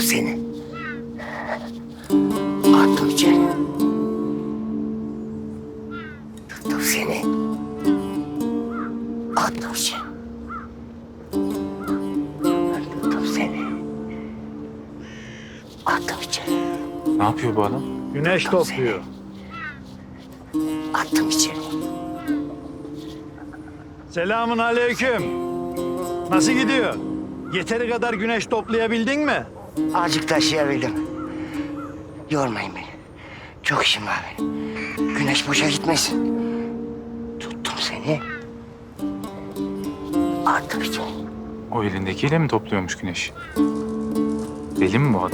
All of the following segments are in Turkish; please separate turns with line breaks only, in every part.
seni. Attım içeri. Tuttum seni. Attım içeri. Tuttum seni. Attım içeri.
Ne yapıyor bu adam?
Güneş topluyor.
Attım içeri.
Selamun aleyküm. Nasıl gidiyor? Yeteri kadar güneş toplayabildin mi?
Azıcık taşıyabildim. Yormayın beni. Çok işim var benim. Güneş boşa gitmesin. Tuttum seni. Attım içeri.
O elindekiyle mi topluyormuş güneş? Deli mi bu adam?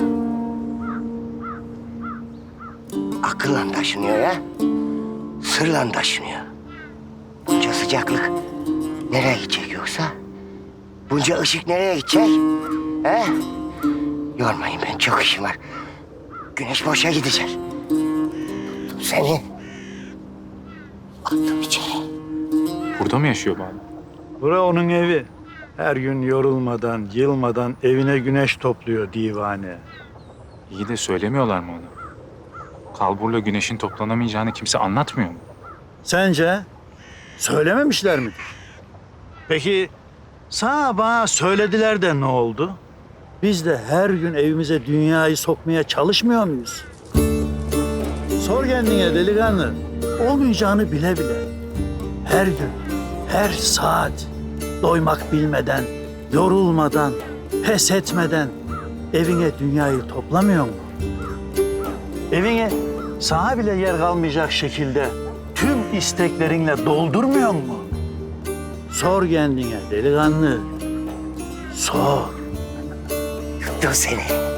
Akılla taşınıyor ya. Sırla taşınıyor. Bunca sıcaklık nereye gidecek yoksa? Bunca ışık nereye gidecek? He? Yormayın beni, çok işim var. Güneş boşa gidecek. Tuttum seni. Attım içeri.
Burada mı yaşıyor bu adam?
Bura onun evi. Her gün yorulmadan, yılmadan evine güneş topluyor divane.
İyi de söylemiyorlar mı ona? Kalburla güneşin toplanamayacağını kimse anlatmıyor mu?
Sence söylememişler midir? Peki sana bana söylediler de ne oldu? Biz de her gün evimize dünyayı sokmaya çalışmıyor muyuz? Sor kendine delikanlı. Olmayacağını bile bile. Her gün, her saat doymak bilmeden, yorulmadan, pes etmeden evine dünyayı toplamıyor mu? Evine sana bile yer kalmayacak şekilde tüm isteklerinle doldurmuyor mu? Sor kendine delikanlı. Sor.
Tuttum seni.